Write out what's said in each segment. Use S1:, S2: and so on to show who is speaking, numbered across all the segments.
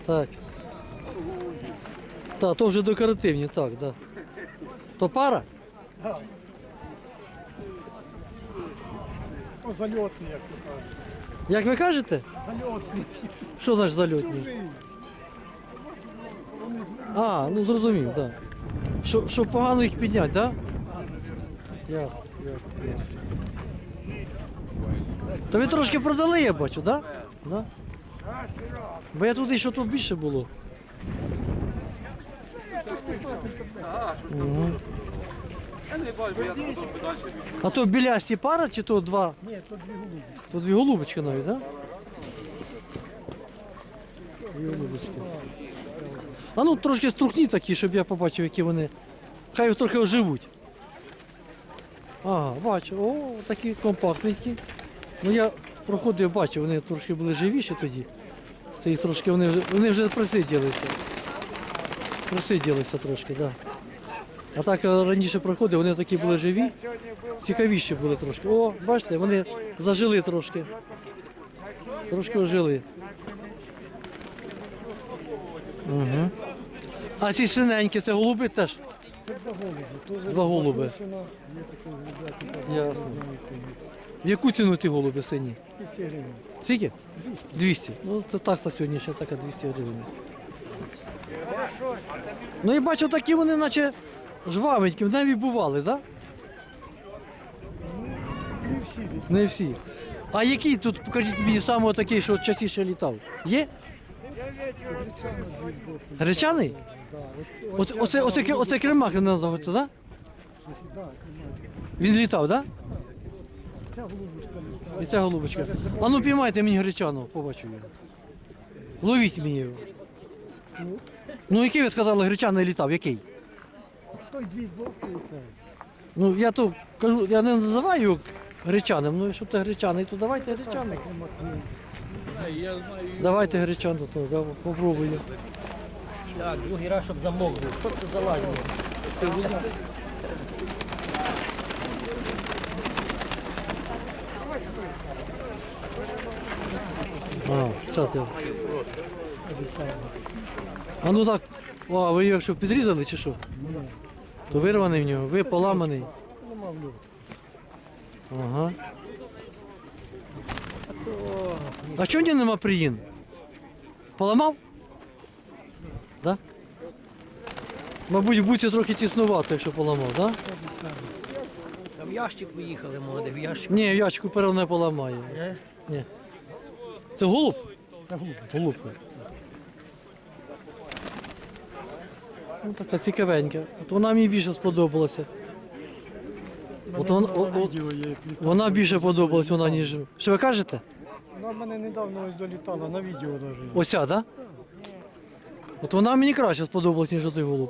S1: Так. Так, то вже декоративні, так, да. То пара?
S2: Так. То зальотний, як то кажуть.
S1: Як ви кажете?
S2: Зальотний.
S1: Що значить зальотні?
S2: Чужий. Вони
S1: А, ну зрозумів, так. Да. Щоб погано їх підняти, так? Да? Ясно. То ви трошки продали, я бачу, так? Да? Да? Бо я туди, що тут більше було. Угу. А то білясті пара чи то два?
S2: Ні, то дві голуби.
S1: То дві голубочки навіть, так? Да? Дві голубочки. А ну трошки струхні такі, щоб я побачив, які вони. Хай трохи оживуть. Ага, бачу, о, такі компактненькі. Ну я проходив, бачив, вони трошки були живіші тоді. Це і трошки вони вже просиділися. Просиділися трошки, так. Да. А так раніше проходив, вони такі були живі, цікавіші були трошки. О, бачите, вони зажили трошки. Трошки ожили. Угу. А ці синенькі, це голуби теж?
S2: Це два голуби. Тоже
S1: Два голуби.
S2: є такий голубятник.
S1: Ясно. В яку ціну ті голуби сині?
S2: 200 гривень.
S1: Скільки?
S2: 200.
S1: 200. Ну це такса сьогодні ще така 200 гривень. Ну і бачу, такі вони наче жвавенькі, в небі бували, так?
S2: Не всі літають.
S1: Да? Не всі. А який тут, покажіть мені, саме такий, що частіше літав? Є?
S2: Гречана дві збоку.
S1: Гречаний?
S2: Да.
S1: Оце кремак він називається, так?
S2: Да,
S1: Він літав, так?
S2: ця голубочка літає.
S1: І ця голубочка. А ну піймайте мені гречану, побачу його. Ловіть мені його. Ну який ви сказали, гречаний літав, який?
S2: Той дві збоку і це.
S1: Ну я то кажу, я не називаю його гречаним, ну якщо це гречаний, то давайте гречаний. Давайте гречану, то да, попробую.
S3: Так, другий раз, щоб замок був. Що це за лазня?
S1: А, зараз я. А ну так, а ви його що підрізали чи що? То вирваний в нього, ви поламаний.
S2: Нема в нього.
S1: Ага. А чого в нього нема приїн? Поламав? Да? Мабуть, в буці трохи тіснувато, якщо поламав, так? Да?
S3: Там ящик виїхали, молоде, в ящик.
S1: Ні, ячку перо не поламає.
S3: Не?
S1: Ні. Це голуб?
S2: Це голубка.
S1: Голубка. Ну, така цікавенька. От вона мені більше сподобалася. От
S2: Мене
S1: вона,
S2: на відео є, як літала.
S1: вона більше подобалась, вона, ніж. Що ви кажете?
S2: Вона в мене недавно ось долітала, на відео навіть.
S1: Оця, так? Да? От вона мені краще сподобалась, ніж той голуб.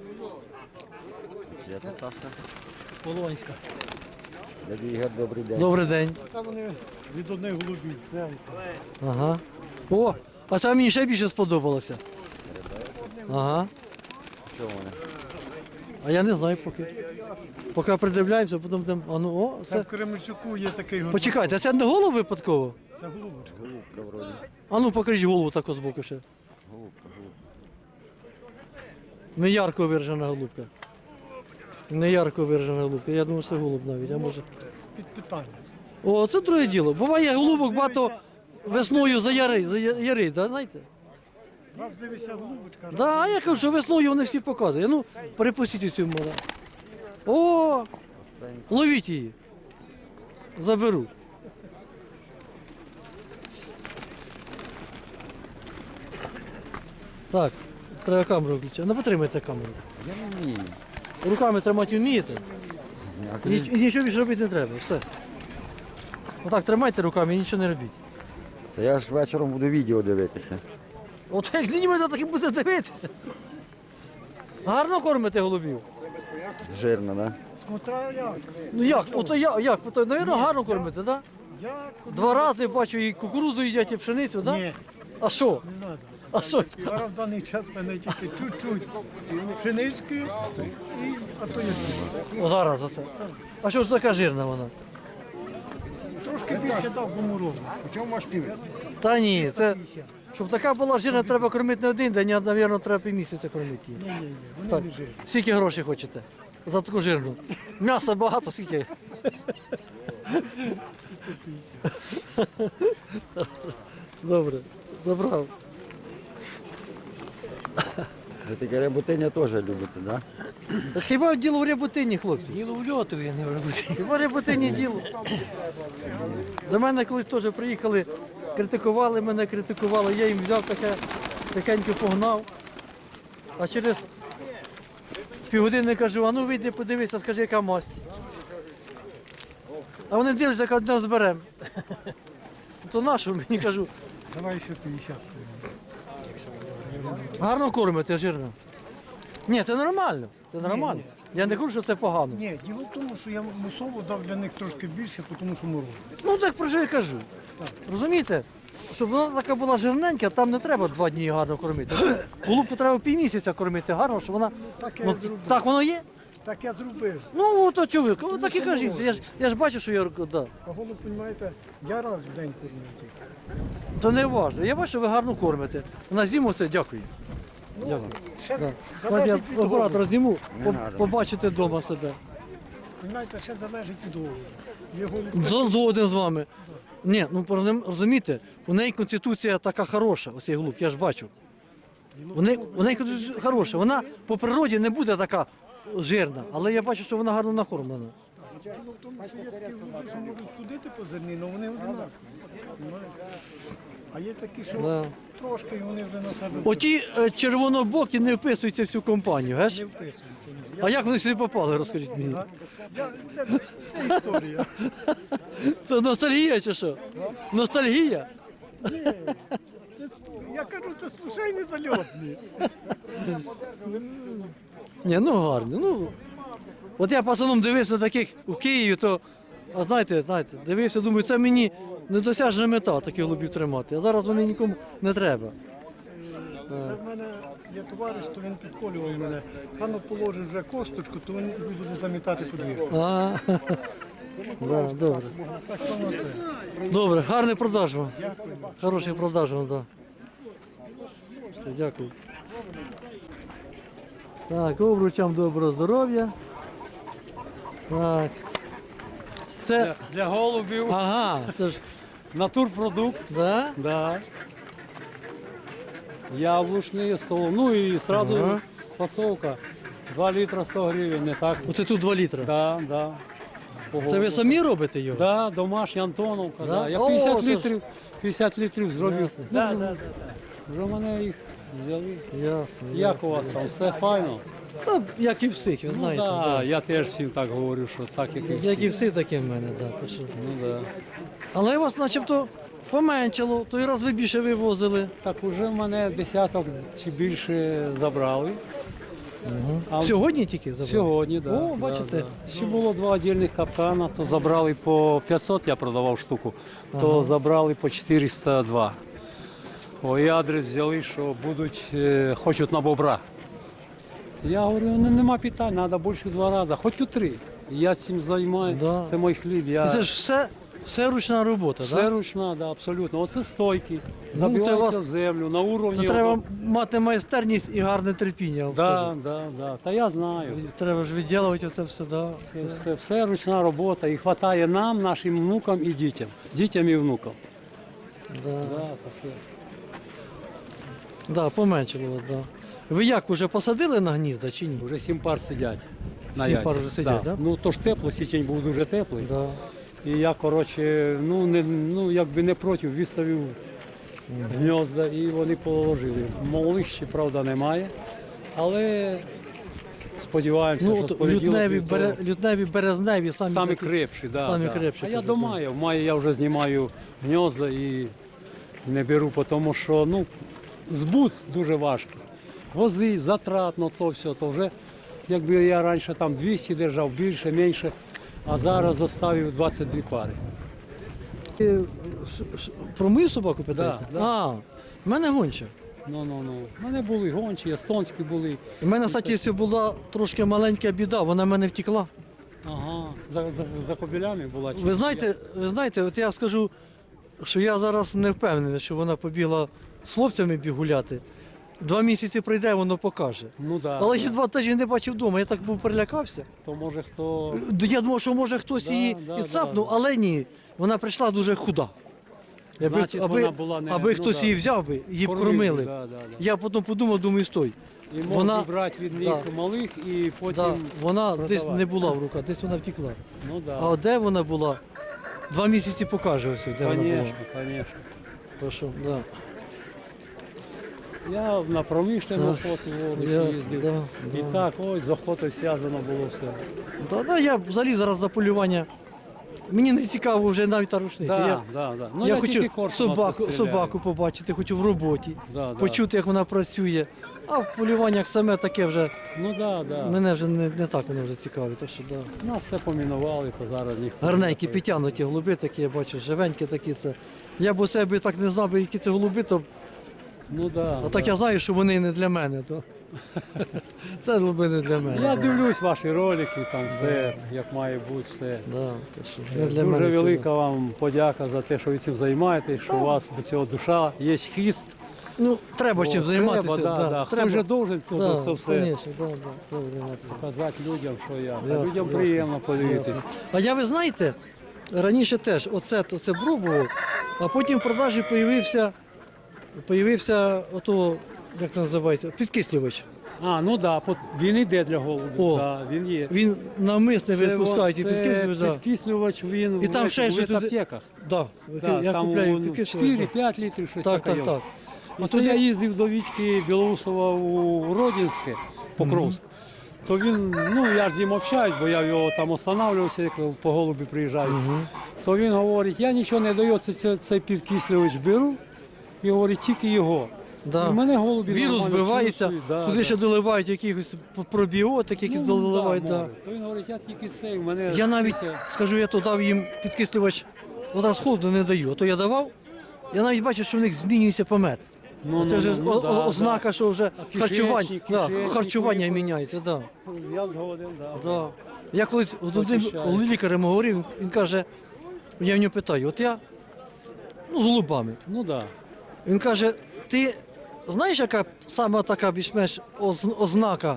S3: Полонська.
S4: Дядя Ігор, добрий день.
S1: Добрий день.
S2: Це вони від одних голубів. Це
S1: Ага. О, а це мені ще більше сподобалося. Ага.
S4: Чому вони?
S1: А я не знаю поки. Поки придивляємося, потім будемо. А ну, о,
S2: Це
S1: це.
S2: в Кременчуку є такий голуб.
S1: Почекайте, а це не голуб випадково?
S2: Це голубочка.
S4: Голубка вроді.
S1: А ну покажіть голову так з боку ще.
S4: Голубка.
S1: Не ярко виражена голубка. Не ярко виражена голубка. Я думаю, це голуб навіть, а може.
S2: Під питання.
S1: О, це друге діло. Буває голубок багато весною зарить, да, знаєте?
S2: Раз дивися голубочка, раз
S1: Да, а я кажу, що весною вони всі показують. Ну, перепустіть цю море. О, ловіть її. Заберу. Так, треба камеру включити. Ну, потримайте камеру.
S4: Я не вмію.
S1: Руками тримати вмієте?
S4: А
S1: І нічого більше робити не треба, все. Отак тримайте руками і нічого не робіть.
S4: Та я ж вечором буду відео дивитися.
S1: От як ніби так і буде дивитися. Гарно кормите голубів?
S4: Жирно, да?
S2: Смотря як.
S1: Ну як? Ото як? Ото, навірно, гарно кормите, так?
S2: Як?
S1: Два рази бачу і кукурудзу їдять, і пшеницю, так?
S2: Ні,
S1: А що?
S2: не треба.
S1: А що?
S2: Зараз в даний час в мене тільки чуть-чуть пшенички і ато є.
S1: О, зараз оце. А що ж така жирна вона?
S2: Трошки більше дав гуморозу.
S4: У чому ваш пів?
S1: Та ні, це
S2: 50.
S1: Щоб така була жирна, треба кормити не один день, а, мабуть, треба півмісяця кормити її.
S2: Ні, вони
S1: Так.
S2: не жирні.
S1: Скільки грошей хочете? За таку жирну. М'яса багато, скільки?
S2: 150.
S1: Добре, забрав.
S4: Ви таке рябутиня теж любите, да?
S1: Хіба діло в рябутині, хлопці?
S3: Діло в льоту, я не роблю.
S1: Хіба в рябутині діло? До мене колись теж приїхали, критикували мене, критикували. Я їм взяв таке, такенько погнав. А через півгодини кажу, а ну вийди, подивися, скажи, яка масть. А вони дивляться, як одне зберемо. То нашу мені кажу,
S2: Давай ще 50.
S1: гарно кормите, жирно. Ні, це нормально. Це нормально. Я не кажу, що це погано.
S2: Ні, діло в тому, що я мусово дав для них трошки більше, тому що мороз.
S1: Ну так про що я кажу. Розумієте? Щоб вона така була жирненька, там не треба 2 дні гарно кормити. Голубку треба півмісяця кормити гарно, щоб вона.
S2: Так я
S1: Ну,
S2: і зробив.
S1: так воно є?
S2: Так я зробив.
S1: Ну, то чоловік, ви так і кажіть. Я ж бачу, що я да.
S2: А голуб, розумієте, я раз в день кормлю тільки.
S1: То не важливо. Я бачу, що ви гарно кормите. На зиму це дякую.
S2: Ну,
S1: Дякую.
S2: ще
S1: Да.
S2: залежить від
S1: Я оператора
S2: голуба.
S1: зніму,
S4: Не надо.
S1: побачите вдома себе.
S2: Розумієте, ще залежить від голуба. Є голуб.
S1: Згоден з вами. Ні, ну розумієте, у неї конституція така хороша, оцей голуб, я ж бачу. У неї конституція хороша. Вона по природі не буде така жирна, але я бачу, що вона гарно накормлена.
S2: Діло в тому, що є такі голуби, що можуть ходити по зерні, але вони одинакові. Розумієте? А є такі, що
S1: Да.
S2: трошки і вони вже на себе
S1: Оті червонобокі не вписуються в цю компанію, геш?
S2: не вписуються. Ні.
S1: А як вони сюди попали, розкажіть мені?
S2: Це історія.
S1: Це ностальгія чи що? Ностальгія?
S2: Я кажу, це случайний зальотний.
S1: Ні, ну гарні. Ну, от я пацаном дивився таких у Києві, то, а знаєте, дивився, думаю, це мені недосяжна мета таких голубів тримати. А зараз вони нікому не треба.
S2: Це в мене є товариш, то він підколював мене. Хано положить вже косточку, то він тобі буде замітати подвір'я.
S1: А, да, добре.
S2: Так само це.
S1: Добре, гарний продаж вам.
S2: Дякую.
S1: Хороший продаж вам, так. Да. Дякую. Так, обручам доброго здоров'я. Так. Це.
S5: Для голубів
S1: Ага, це ж.
S5: натурпродукт,
S1: Да?
S5: да. Яблучний стол. Ну і сразу
S1: Ага.
S5: фасовка. 2 літра 100 гривень, не так.
S1: Оце тут 2 літра.
S5: Да, да. По
S1: Це ви
S5: голубу.
S1: самі робите його?
S5: Да, домашня Антоновка.
S1: Да?
S5: Да. Я
S1: О,
S5: 50
S1: це ж-
S5: літрів, 50 літрів зробив.
S1: Да, да,
S5: Вже мене їх взяли.
S1: Ясно.
S5: Як у вас там? Все файно?
S1: Та, як і всіх, ви
S5: Ну
S1: знаєте.
S5: да,
S1: Да.
S5: я теж всім так говорю, що так, як і
S1: Як і
S5: всі.
S1: всі, таке в мене, да. Так що.
S5: Ну да.
S1: Але у вас начебто поменшало, той раз ви більше вивозили.
S5: Так уже в мене десяток чи більше забрали. А
S1: Сьогодні тільки забрали?
S5: Сьогодні, так.
S1: О, бачите.
S5: Ще було 2 віддільних капкана, то забрали по 500, я продавав штуку, то забрали по 402. О, і адрес взяли, що будуть, хочуть на бобра. Я говорю, ну нема питань, треба більше 2 рази, хоч у 3. Я цим займаюся,
S1: Да.
S5: це мій хліб.
S1: І
S5: Я...
S1: це ж все ручна робота,
S5: Все
S1: так?
S5: ручна, да, абсолютно. Оце стойки,
S1: це
S5: забиваються
S1: вас-
S5: в землю, на уровні.
S1: То треба
S5: ото.
S1: мати майстерність і гарне терпіння. я вам
S5: Да,
S1: скажу.
S5: да. Та я знаю.
S1: Треба ж відділувати це все, да.
S5: Все ручна робота і вистачає нам, нашим внукам і дітям. Дітям і внукам.
S1: Да.
S5: Да, таке.
S1: Да, поменшало вас, да. Ви як, уже посадили на гнізда чи ні?
S5: Вже 7 пар сидять. На
S1: 7
S5: яйцях.
S1: пар вже сидять, да?
S5: Ну то ж тепло, січень був дуже теплий.
S1: Да.
S5: І я, коротше, якби не проти, виставив гнізда і вони положили. Малих ще, правда, немає. Але сподіваємося,
S1: Ну,
S5: що
S1: от
S5: з понеділка
S1: лютневі, березневі самі,
S5: самі
S1: такі.
S5: крепші, да,
S1: самі
S5: да.
S1: крепші,
S5: А я
S1: кажуть,
S5: до
S1: да.
S5: мая. В маї я вже знімаю гнізда і не беру, тому що збут дуже важкий. Вози, затратно, то все, то вже якби я раніше там 200 держав, більше, менше, а зараз заставив 22 пари.
S1: Про мою собаку питаєте?
S5: Да.
S1: А, в мене гонча.
S5: Ну. У мене були гончі, естонські були.
S1: У мене, кстати, була трошки маленька біда, вона в мене втекла.
S5: Ага, за кобилями була. чи
S1: Ви знаєте, от я скажу, що я зараз не впевнений, що вона побігла з хлопцями біг гуляти. 2 місяці пройде, воно покаже.
S5: Ну да.
S1: Але
S5: да.
S1: я 2 тижні не бачив вдома, я так був перелякався.
S5: То може хто.
S1: Я думав, що може хтось
S5: Да,
S1: її
S5: да,
S1: і цапнув,
S5: да.
S1: але ні. Вона прийшла дуже худа.
S5: Значить, вона була не-
S1: аби
S5: ну,
S1: хтось
S5: да.
S1: її взяв би, її б
S5: Кормив,
S1: кормили.
S5: да, да, да.
S1: Я потім подумав, думаю, стой.
S5: І мог
S1: Вона-
S5: брати від них
S1: да.
S5: малих і потім.
S1: Да, вона десь
S5: продавати.
S1: не була в руках, десь вона втекла.
S5: Ну да.
S1: А от де вона була? 2 місяці покаже ось, де вона була.
S5: Звісно, звісно.
S1: То що, да.
S5: Я на промишлену
S1: Так,
S5: охоту вович
S1: ясно,
S5: їздив.
S1: да,
S5: І
S1: да.
S5: так, ось з охотою зв'язано було все.
S1: Да, я взагалі зараз за полювання. Мені не цікаво вже навіть та рушниця.
S5: Да, да, да. Ну,
S1: я
S5: тільки
S1: хочу
S5: коршуна стріляю.
S1: собаку побачити, хочу в роботі,
S5: Да, да.
S1: почути, як вона працює. А в полюваннях саме таке вже,
S5: Ну да, да.
S1: мене вже не так воно вже цікавить. Так що, да.
S5: Нас все помінували, то зараз ніхто.
S1: Гарненькі,
S5: не
S1: підтягнуті голуби такі, я бачу, живенькі такі. Це. Я б оце би так не знав, би, які це голуби, то
S5: Ну да.
S1: а так
S5: да.
S1: я знаю, що вони не для мене. То. Це голуби не для мене.
S5: Я дивлюсь ваші ролики, там все, як має бути все.
S1: Да, то що, не для
S5: Дуже
S1: мене це,
S5: велика вам подяка за те, що ви цим займаєтесь, що у вас до цього душа, є хіст.
S1: Ну, треба чим
S5: О,
S1: займатися.
S5: Треба, да. Хто вже должен це все
S1: Конечно, да, треба займатися.
S5: показати людям, що я.
S1: Ясно,
S5: Людям
S1: ясно,
S5: приємно подивитись.
S1: А я, ви знаєте, раніше теж оце пробував, а потім в продажі появився ото, як це називається, підкислювач.
S5: А, ну так, да, він йде для голубів,
S1: О.
S5: да, він є.
S1: Він навмисне
S5: Це
S1: відпускають і підкислювач. Да.
S5: підкислювач, він
S1: І там
S5: в,
S1: ще
S5: в
S1: щось туди-
S5: аптеках.
S1: Да.
S5: Да,
S1: Я
S5: там
S1: купляю підкислювач.
S5: 4-5 літрів, щось
S1: Так,
S5: таке.
S1: так, так.
S5: І
S1: А
S5: це
S1: туди-
S5: я їздив до Вітьки Білоусова у Родінське, Покровськ. То він, ну я ж з ним общаюсь, бо я його там останавливався, як по голубі приїжджаю. То він говорить, я нічого не даю, цей підкислювач беру, і говорить, тільки його.
S1: Да.
S5: І в мене голубі
S1: Вірус
S5: нормально
S1: збивається,
S5: чувствують, да,
S1: туди
S5: да.
S1: ще доливають якихось пробіотик, які
S5: Ну,
S1: доливають.
S5: да,
S1: Да.
S5: може. То він говорить, я тільки цей, в мене...
S1: Я навіть,
S5: це-
S1: скажу, я то дав їм підкислювач, зараз холодно не даю, а то я давав, я навіть бачу, що в них змінюється помет.
S5: Ну,
S1: Це вже
S5: да,
S1: ознака, що вже
S5: А
S1: харчування,
S5: кишечник
S1: харчування
S5: вибори.
S1: міняється. Да.
S5: Я згоден, да.
S1: Да. Я колись з одним
S5: Очищається.
S1: лікарем говорив, він каже, я в нього питаю, от я з голубами.
S5: Ну да.
S1: Він каже, ти знаєш, яка саме така більш-менш ознака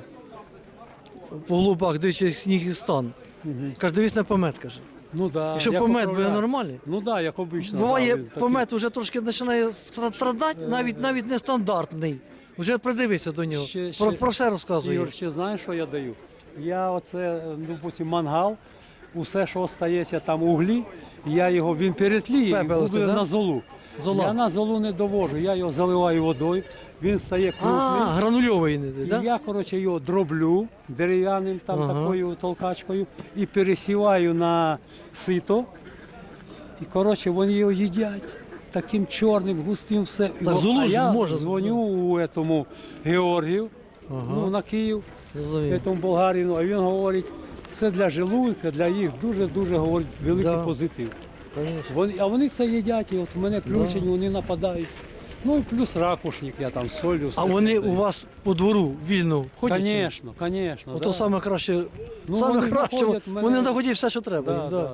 S1: по голубах, дивлячись сніг і стан? Каже, дивись на помет, каже.
S5: Ну да.
S1: Якщо
S5: як
S1: помет буде
S5: управляти.
S1: нормальний,
S5: Ну да, як обично.
S1: буває,
S5: да, він такий.
S1: помет вже трошки починає страдати, навіть нестандартний. Вже придивися до нього. Про все розказує.
S5: Ігор, ще знаєш, що я даю? Я оце, допустим, мангал, усе, що остається там углі, він перетліє і
S1: Пепел
S5: буде
S1: оце, да?
S5: на золу.
S1: Зола.
S5: Я на золу не довожу, я його заливаю водою, він стає крупним.
S1: Гранульовий не
S5: І
S1: да?
S5: я, коротше, його дроблю дерев'яним там
S1: Ага.
S5: такою толкачкою і пересіваю на сито. І, коротше, вони його їдять таким чорним, густим все.
S1: Так, золу
S5: а
S1: ж
S5: я
S1: може.
S5: дзвоню у этому Георгію, ну, на Київ,
S1: Розумію.
S5: этому болгарину, а він говорить, це для желудка, для їх дуже-дуже говорить, великий
S1: Да.
S5: позитив.
S1: Конечно.
S5: А вони це їдять, і от у мене включені, вони нападають. Ну і плюс ракушник, я там з солью.
S1: А вони у вас по двору вільно ходять?
S5: Звісно, звісно.
S1: Ото саме краще,
S5: Ну,
S1: саме
S5: вони
S1: краще,
S5: знаходять мене-
S1: вони знаходять все, що треба.
S5: Да,
S1: їм,
S5: да,
S1: да.
S5: да.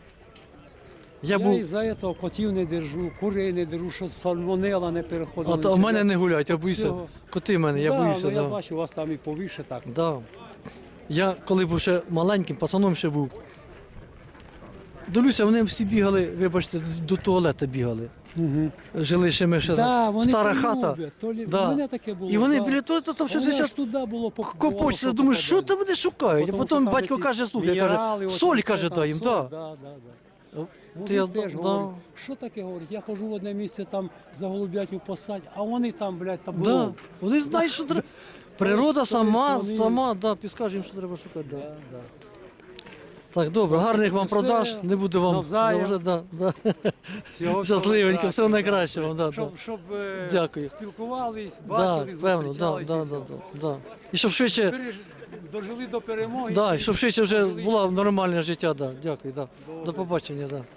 S1: Я
S5: Я
S1: був,
S5: із-за цього котів не держу, курей не держу, щоб сальмонела не переходила.
S1: а то в мене не гуляють, я боюся.
S5: цього.
S1: Коти в мене, я
S5: да,
S1: боюся.
S5: ну, я
S1: Да.
S5: бачу, у вас там і повіше так.
S1: Да. Я коли був ще маленьким, пацаном ще був. Дивлюся, вони всі бігали, вибачте, до туалету бігали.
S5: Угу.
S1: Жили ще ми ще
S5: Да, вони
S1: стара
S5: то
S1: хата.
S5: люблять, то лі-
S1: Да.
S5: У мене таке було.
S1: І вони
S5: да.
S1: біля туалету там все
S5: Вони
S1: зараз
S5: аж туди було
S1: копочеться. Думаю, що там вони шукають? А
S5: Потому
S1: потім
S5: що там
S1: батько
S5: такі
S1: каже, слухай,
S5: мінерали,
S1: каже,
S5: от
S1: соль,
S5: все
S1: каже,
S5: там,
S1: дай їм.
S5: соль,
S1: Да.
S5: да, да, да.
S1: Ти я-
S5: Мужик теж
S1: да.
S5: говорить, що таке говорить, я хожу в одне місце там за голубятню посадь, а вони там, блядь, там
S1: Да.
S5: було.
S1: Вони знають, що треба. Природа сама,
S5: вони-
S1: сама, да, підскаже їм, що треба шукати. Да.
S5: Да, да.
S1: Так, добре, гарних вам
S5: Все,
S1: продаж, не буду вам
S5: навзаєм.
S1: вже, да, да.
S5: Всього
S1: Щасливенько, всього
S5: прекрасного,
S1: найкращого. Да, да.
S5: Щоб
S1: Дякую.
S5: спілкувались,
S1: Да,
S5: бачили,
S1: певно, да,
S5: зустрічались.
S1: да,
S5: і
S1: да,
S5: все.
S1: да, да. І щоб швидше,
S5: Дожили до перемоги.
S1: да, і щоб швидше вже
S5: Дожили
S1: було нормальне життя, да. Дякую, да. До побачення, да.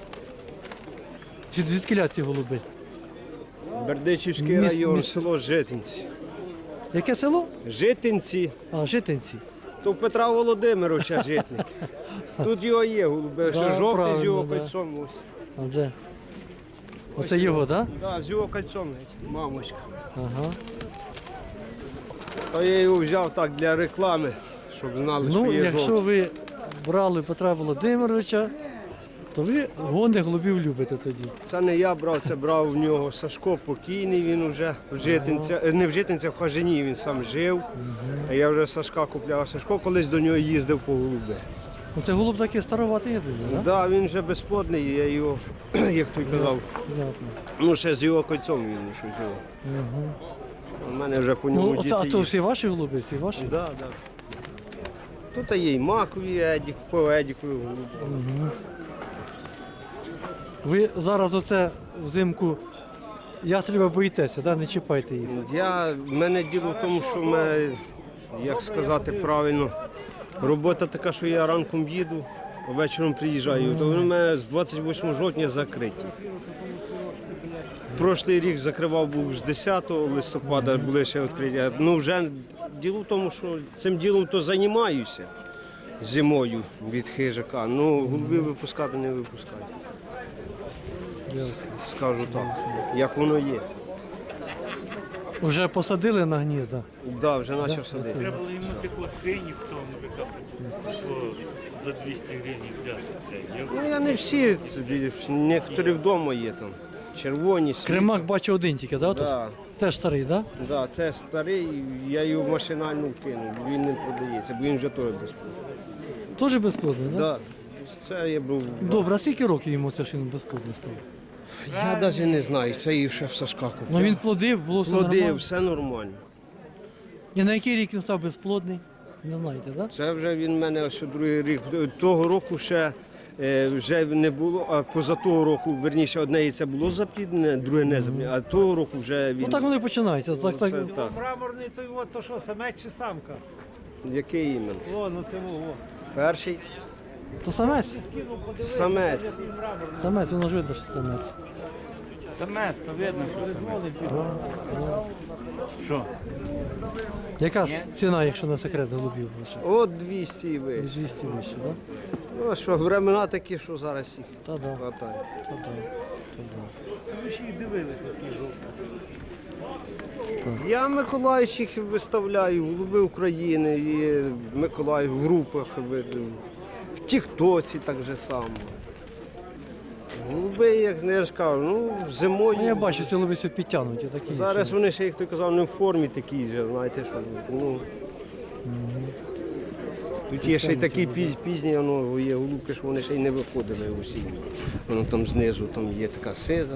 S1: Звідки ці голуби?
S6: Бердичівський
S1: Міс-
S6: район,
S1: міс-
S6: село Житинці.
S1: Яке село?
S6: Житинці,
S1: А, Житинці.
S6: то в Петра Володимировича житник. Тут його є голуби,
S1: Да,
S6: що жовтий з
S1: правильно,
S6: його
S1: да.
S6: кольцом. Ось.
S1: А де? Оце його, так?
S6: Да, з його кольцом, мамочка.
S1: Ага.
S6: То я його взяв так для реклами, щоб знали, що
S1: Ну,
S6: є
S1: якщо
S6: жовтий.
S1: ви брали Петра Володимировича, то ви гони голубів любите тоді.
S6: Це не я брав, це брав в нього Сашко покійний, він вже в Житинцях, не в Житинцях, в Хажині він сам жив. А я вже Сашка купляв. Сашко колись до нього їздив по голуби.
S1: Ну, це голуб такий староватий, я думаю, так?
S6: Да, він вже безплодний, я його, як той казав,
S1: Понятно.
S6: ну ще з його кольцом він щось його. У мене вже по ньому
S1: Ну,
S6: діти
S1: а то
S6: є.
S1: всі ваші голуби, всі ваші?
S6: Да, да. Тут є і макові едік, по едіку голуби.
S1: Ви зараз оце взимку ястреба боїтеся, да? Не чіпайте їх.
S6: В мене діло в тому, що в мене, як сказати правильно, робота така, що я ранком їду, а вечором приїжджаю. То вони в мене з 28 жовтня закриті. Прошлий рік закривав був з 10 листопада, були ще відкриті. Ну вже діло в тому, що цим ділом то займаюся зимою від хижака. Ну голубів випускати не випускаю. Скажу так, як воно є.
S1: Вже посадили на гнізда.
S6: Так, да, вже почав садити.
S7: Треба було йому таку синю в тому мужика за 200 гривень взяти.
S6: Ну я не всі, некоторі вдома є там. Червоні, світлі.
S1: Кремак бачу один тільки, да? тут?
S6: Да,
S1: Теж старий, так?
S6: да, це старий, я його машинально вкинув, він не продається, бо він вже теж безплатний.
S1: Да? Теж безплодний, так? Да?
S6: Да, це я був.
S1: Добре, а скільки років йому це, що він безплодний став?
S6: Я навіть не знаю, це і ще в Сашка купив.
S1: Ну він плодив, було все
S6: Плодив,
S1: нормально.
S6: все нормально.
S1: І на який рік він став безплодний? Не знаєте, так? Да?
S6: Це вже він в мене ось другий рік. Того року ще вже не було, а поза того року, верніше, одне яйце було запліднене, друге не запліднене, а того року вже він.
S1: Ну так вони починаються. Так,
S6: Це
S1: так.
S6: так.
S3: Мраморний той от, то що, самець чи самка?
S6: Який іменно?
S3: О, ну це во.
S6: Перший
S1: То самець?
S6: самець.
S1: Самець, воно ж видно, що самець.
S7: Саме, то видно, що
S1: Яка ціна, якщо на секрет голубів ваших?
S6: От 200 і вище.
S1: 200 вище, так?
S6: Ну а що, времена такі, що зараз їх
S1: Та да,
S6: хватає.
S1: та да.
S3: Ви ще й дивилися ці жовті.
S6: Я Миколаївщик виставляю, голуби України, і Миколаїв в групах, в Тіктоці так же само. Голуби, як я ж кажу, ну зимою.
S1: Ну, я бачу, ці голуби все підтягнуті такі.
S6: Зараз
S1: що-
S6: вони ще, як той казав, не в формі такі ж, знаєте, що. Ну, тут є ще й такі пізні, воно є голубки, що вони ще й не виходили усі. Воно там знизу там є така сиза.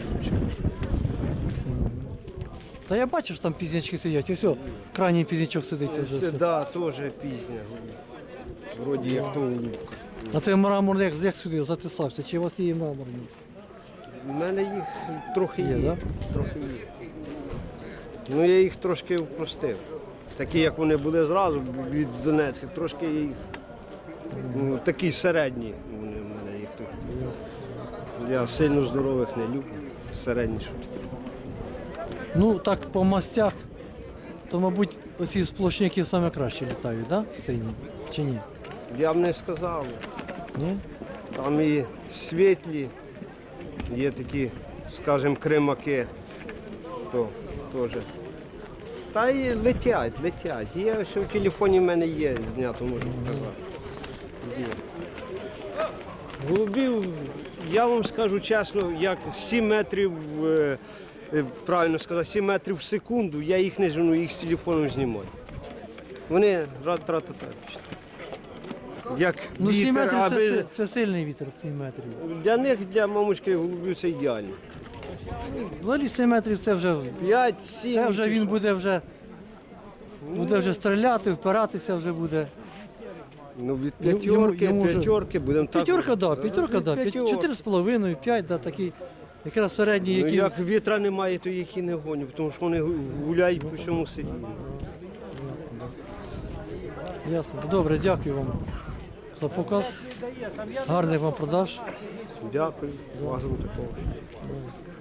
S1: Та я бачу, що там пізнячки сидять. Ось, о, крайній пізнячок сидить. Вже
S6: Це
S1: все.
S6: да, теж пізня. Вроді як то голубка.
S1: А це мраморний як сюди затисався? Чи у вас є мраморний?
S6: У мене їх трохи
S1: Є,
S6: є.
S1: да?
S6: Трохи є. Ну я їх трошки впростив. Такі, як вони були зразу від Донецька, трошки я їх ну, такі середні. Вони в мене їх тут. Я сильно здорових не люблю. Середні. Що.
S1: Ну, так по мастях, то, мабуть, оці сплошняки саме краще літають, так? Да? Сині? Чи ні?
S6: Я б не сказав.
S1: Ні?
S6: Там і світлі, є такі, скажімо, кримаки, то теж. Та і летять. Є, все в телефоні в мене є, знято можу показати. Є. Голубів, я вам скажу чесно, як 7 метрів, правильно сказати, 7 метрів в секунду, я їх не жену, їх з телефоном знімаю. Вони тра-та-та. Як
S1: Ну, 7
S6: вітер,
S1: метрів
S6: аби...
S1: це сильний вітер, 7 метрів.
S6: Для них, для мамочки голубів це ідеально.
S1: Взагалі 7 метрів це вже,
S6: 5-7.
S1: це вже він буде вже стріляти, впиратися вже буде.
S6: Ну, від
S1: Йому
S6: п'ятерки, будемо так.
S1: П'ятерка, да, п'ятерка, да.
S6: Від
S1: 4,5, 5, да, такий, якраз середній,
S6: Ну,
S1: який.
S6: як вітра немає, то їх і не гоню, тому що вони гуляють по всьому селі.
S1: Ясно. Добре, дякую вам за показ. Гарних вам продаж.
S6: Дякую, разом такого.